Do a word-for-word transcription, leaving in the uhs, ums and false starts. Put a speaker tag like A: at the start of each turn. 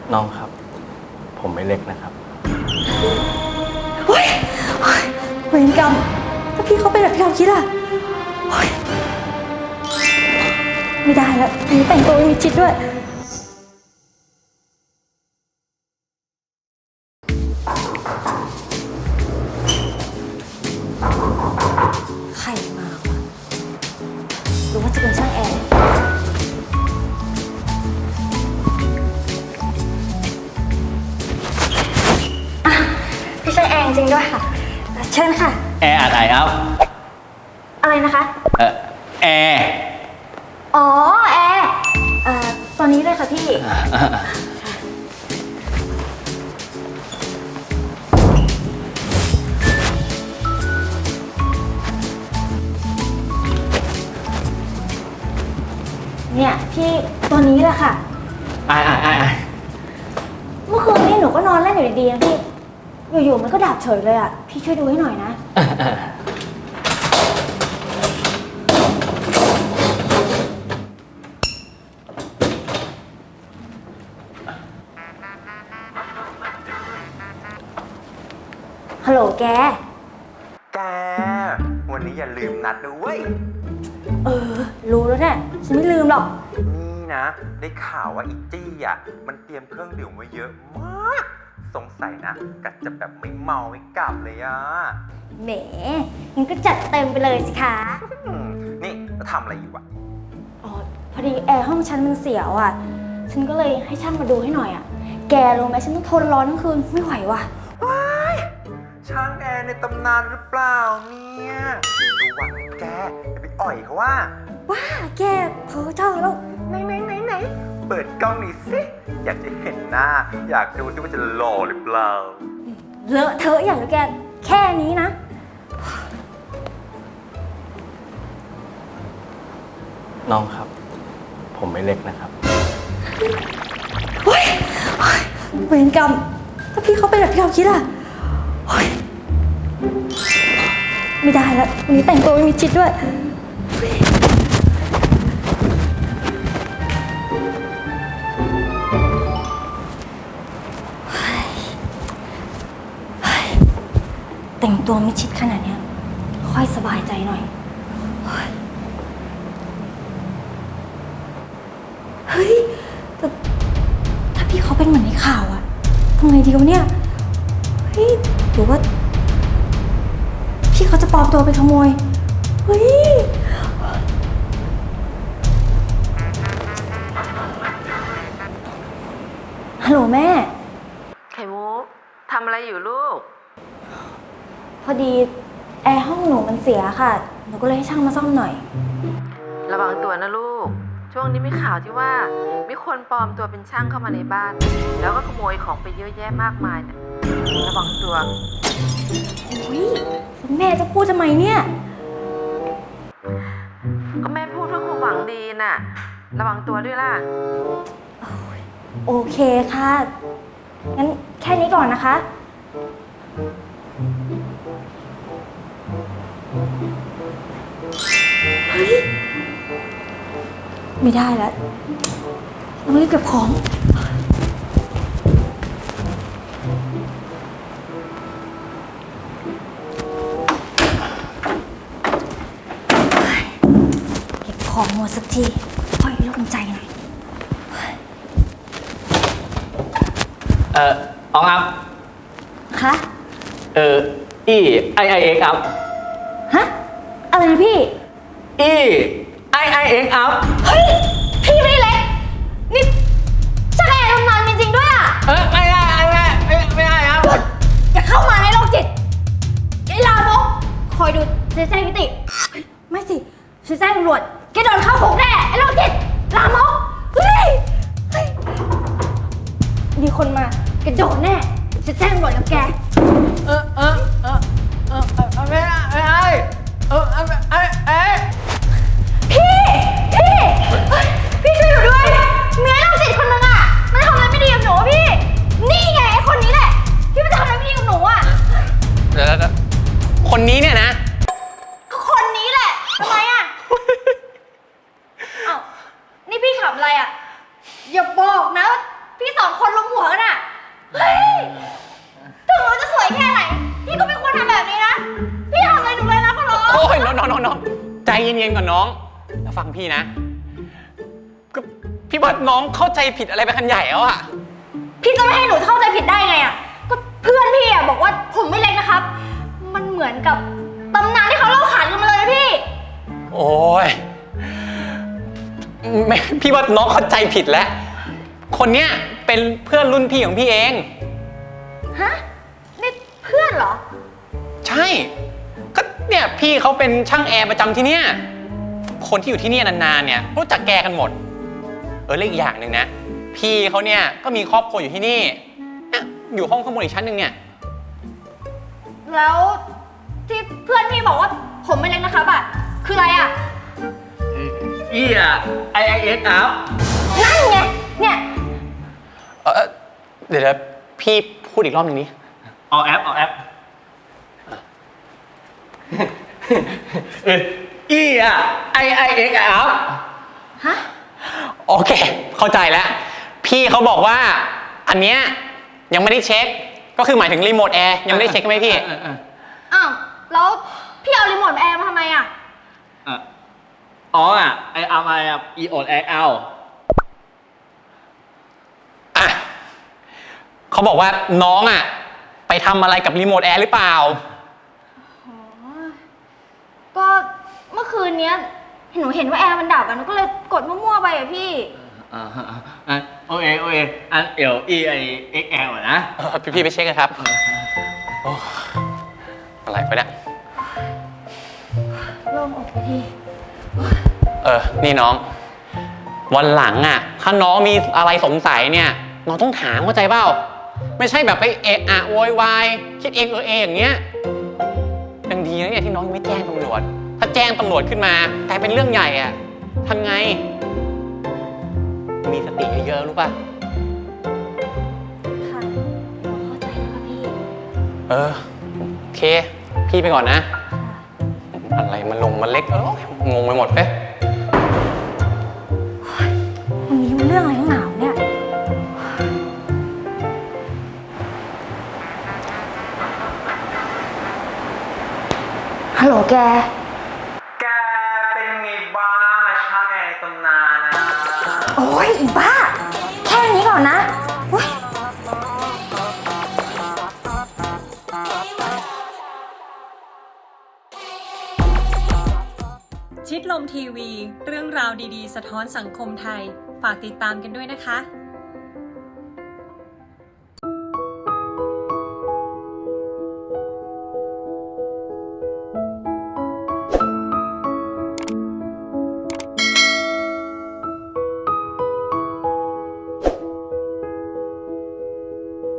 A: น้องครับ ผมไม่เล็กนะครับ
B: เฮ้ยเวรกรรมถ้าพี่เขาเป็นแบบที่เราคิดอะไม่ได้แล้วมีแต่งตัวมีชิดด้วยใครมาวะหรือว่าจะเป็นช่างแอร์อ่ะพี่ช่างแอร์จริงด้วยค่ะเชิญค่ะ
A: แอร์อะไรครับ
B: อะไรนะคะ
A: เออแอร์
B: อ๋อแอร์เอ่อตอนนี้เลยค่ะพี่เนี่ยพี่ตัวนี้แหละค่ะ
A: ไอ้ไอ้ไอ้ไอ้
B: เมื่อคืนนี้หนูก็นอนเล่นอยู่ดีๆนะพี่อยู่ๆมันก็ดับเฉยเลยอ่ะพี่ช่วยดูให้หน่อยนะฮัลโหลแก
C: แกวันนี้อย่าลืมนัดนะเว้ย
B: เออรู้แล้วเนี่ยฉันไม่ลืมหรอก
C: นี่นะได้ข่าวว่าอีจี้อ่ะมันเตรียมเครื่องดื่มไว้เยอะมากสงสัยนะกัดจะแบบไม่เมาไม่กลับเลยอ่ะ
B: แหมงั้นก็จัดเต็มไปเลยสิคะ
C: นี่จะทำอะไรอยู่อ่ะ
B: อ๋อพอดีแอร์ห้องฉันมันเสียวอ่ะฉันก็เลยให้ช่างมาดูให้หน่อยอ่ะแกรู้ไหมฉันต้องทนร้อนทั้งคืนไม่ไหวว่ะ
C: ช่างแอร์ในตำนานหรือเปล่าเนี่ยระวังแกอย่าไปอ่อยเขาว่า
B: ว้าแกเพ้อเจ้าแล้ว
C: ไหนไหนไหนไหนเปิดกล้องหน่อยสิอยากจะเห็นหน้าอยากดูซิว่าจะหล่อหรือเปล่า
B: เลอะเทอะอย่างแกแค่นี้นะ
A: น้องครับ ผมไม่เล็กนะครับ
B: เฮ้ยเวรกรรมถ้าพี่เขาเป็นแบบที่เราคิดอะไม่ได้แล้ววันนี้แต่งตัวไม่มีชิดด้วยแต่งตัวไม่ชิดขนาดนี้ค่อยสบายใจหน่อยเฮ้ยแต่ถ้าพี่เขาเป็นเหมือนในข่าวอะทำไงดีวะเนี่ยเฮ้ยหรือว่าพี่เขาจะปลอมตัวไปขโมยเฮ้ยฮัลโหลแม่
D: ไข่มุกทำอะไรอยู่ลูก
B: พอดีแอร์ห้องหนูมันเสียค่ะหนูก็เลยให้ช่างมาซ่อมหน่อย
D: ระวังตัวนะลูกช่วงนี้มีข่าวที่ว่ามีคนปลอมตัวเป็นช่างเข้ามาในบ้านแล้วก็ขโมยของไปเยอะแยะมากมายเนี่ยระวังตัว
B: โอ้ยแม่จะพูดทำไมเนี่ย
D: ก็แม่พูดเพื่อความหวังดีน่ะระวังตัวด้วยล่ะ
B: โอเคค่ะงั้นแค่นี้ก่อนนะคะเฮ้ยไม่ได้แล้วต้องรีบเก็บของเก็บของหมดสักทีค่อยโล่งใจหน่อย
A: เอออองอัพ
B: คะ
A: เอออีไอไอเอ็กอัพ
B: ฮะอะไรนะพี่
A: อีไอไอเอ็กอัพ
B: เฮ้ยพี่ไม่ได้เล็กนี่ช่างแอร์ทำงานจริงๆด้วยอ่ะ
A: เออไม่ได้ไม่ได้ไม่ไม่ได้ครับ
B: อย่าเข้ามาในโลกจิตไอ้ลามกคอยดูเจ๊แจ้งนิติไม่สิเจ๊แจ้งตำรวจแกโดนเข้าคุกแน่ไอ้โลกจิตลามกเฮ้ยมีคนมาแกโดนแน่จะแจ้งตำรวจกับแก
A: เออเออเออเออเออไม่ได้ไม่ได้เออเออเออเออ
B: พี่พี่พี่ช่วยหนูด้วยเมียเราจิตคนนึงอ่ะมันทำอะไรไม่ดีกับหนูพี่นี่ไงไอ้คนนี้แหละที่มันทำอะไรไม่ดีกับหนูอ่ะ
A: เดี๋ยวคนนี้เนี่ยนะ
B: คนนี้แหละทำไมอ่ะอ้าวนี่พี่ขับอะไรอ่ะอย่าบอกนะว่าพี่สองคนรวมหัวกันอะเฮ้ยถึงหนูจะสวยแค่ไหน พี่ก็ไม่ควรทำแบบนี้นะ พี่ทำอะไรหนูเลยนะพ่อร้อง
E: โอ้ยน้องน้องน้องใจเย็นๆก่อนน้องแล้วฟังพี่นะก็พี่ว่าน้องเข้าใจผิดอะไรไปคันใหญ่แล้วอะ
B: พี่จะไม่ให้หนูเข้าใจผิดได้ไงอะก็เพื่อนพี่อะบอกว่าผมไม่เล็กนะครับ มันเหมือนกับตำนานที่เขาเล่าขานกันมาเลยนะพี่
E: โอ้ยไม่พี่ว่าน้องเข้าใจผิดแล้ว คนเนี้ยเป็นเพื่อนรุ่นพี่ของพี่เอง
B: ฮะ นี่เพื่อนเหรอ
E: ใช่ ก็เนี่ยพี่เขาเป็นช่างแอร์ประจำที่เนี่ย คนที่อยู่ที่นี่นานๆเนี่ยรู้จักแกกันหมด เออและอีกอย่างหนึ่งนะ พี่เขาเนี่ยก็มีครอบครัวอยู่ที่นี่เนี่ยอยู่ห้องข้างบนอีกชั้นหนึ่งเนี่ย
B: แล้วที่เพื่อนพี่บอกว่าผมไม่เล็กนะครับอะคืออะไรอะ
A: อีอ่ะไอไอเอ็กอัพ
B: นั่นไง เนี่ย
E: เออเดี๋ยวๆพี่พูดอีกรอบหนึ่งนี้
A: เอาแอปเอาแอปเอออีอ่ะไอไอเอ็กอัพ
B: ฮะ
E: โอเค เข้าใจแล้ว พี่เขาบอกว่าอันเนี้ยยังไม่ได้เช็ค ก็คือหมายถึงรีโมทแอร์ยังไม่ได้เช็คใช่ไหมพี่
B: อ้าว แล้วพี่เอารีโมทแอร์มาทำไมอะ
A: อ๋ออ่ะไออาร์ไออ่ะอีโอดแอคเอา
E: อ่ะเขาบอกว่าน้องอ่ะไปทำอะไรกับรีโมทแอร์หรือเปล่า
B: ก็เมื่อคืนเนี้ยหนูเห็นว่าแอร์มันดับอะหนูก็เลยกดมั่วๆไปอะพี่
A: อ่าอ่ะโอเอโอเออันเอลอีไอเอ็กแอลนะ
E: เออพี่พี่ไปเช็คกันครับโอ้อะไรไปเนี่ย
B: โล่งอกไปที
E: เออ นี่น้อง วันหลังอ่ะ ถ้าน้องมีอะไรสงสัยเนี่ย น้องต้องถามเข้าใจเปล่า ไม่ใช่แบบไปเอะอะโวยวายคิดเองเออเองอย่างเงี้ยยังดีนะเนี่ยที่น้องยังไม่แจ้งตำรวจ ถ้าแจ้งตำรวจขึ้นมากลายเป็นเรื่องใหญ่อ่ะทำไง มีสติเยอะๆรู้ป่ะ
B: ค่ะหนูเข้าใจแล้วค่ะพี่
E: เออ โอเค พี่ไปก่อนนะ อะไรมันลงมันเล็กเอองงไปหมดเอ๊ะ
B: วันนี้มันเรื่องอะไรหนาวเนี่ย ฮัลโหลแก
C: แกเป็นไงบ้างอะช่างแอร์ในตำนานนะ
B: โอ้ยอีบ้า แค่นี้ก่อนนะโอ๊ย
F: ชิดลมทีวี เรื่องราวดีๆ สะท้อนสังคมไทย ฝากติดตามกันด้วยนะคะ